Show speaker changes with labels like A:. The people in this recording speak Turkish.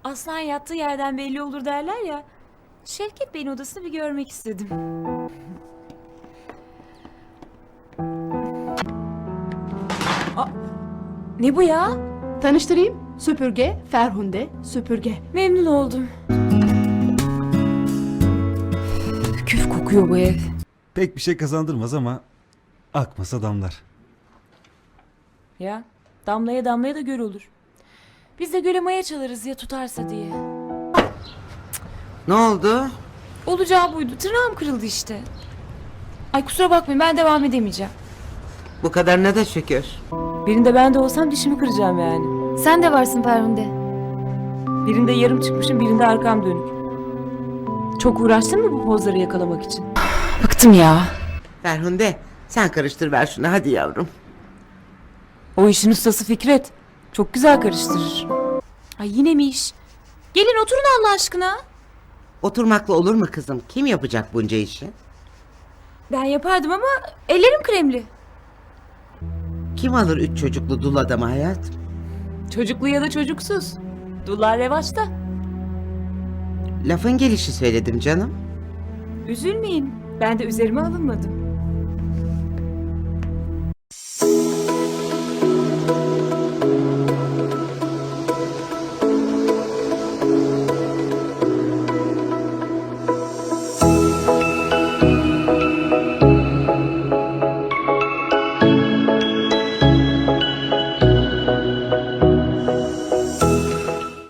A: Aslan yattığı yerden belli olur derler ya. Şevket Bey'in odasını bir görmek istedim. Aa, ne bu ya?
B: Tanıştırayım. Süpürge, Ferhunde, süpürge.
A: Memnun oldum. Küf kokuyor bu ev.
C: Pek bir şey kazandırmaz ama akmasa damlar.
A: Ya damlaya damlaya da göl olur. Biz de göle maya çalarız ya tutarsa diye.
D: Ne oldu?
A: Olacağı buydu. Tırnağım kırıldı işte. Ay kusura bakmayın ben devam edemeyeceğim.
D: Bu kadarına da şükür.
A: Birinde ben de olsam dişimi kıracağım yani.
E: Sen de varsın Ferhunde.
A: Birinde yarım çıkmışım, birinde arkam dönük. Çok uğraştın mı bu pozları yakalamak için? Bıktım ya.
D: Ferhunde sen karıştır ver şunu hadi yavrum.
A: O işin ustası Fikret. Çok güzel karıştırır. Ay yine mi iş? Gelin oturun Allah aşkına.
D: Oturmakla olur mu kızım? Kim yapacak bunca işi?
A: Ben yapardım ama ellerim kremli.
D: Kim alır 3 çocuklu dul adamı hayatım?
A: Çocuklu ya da çocuksuz. Dullar revaçta.
D: Lafın gelişi söyledim canım.
A: Üzülmeyin. Ben de üzerime alınmadım.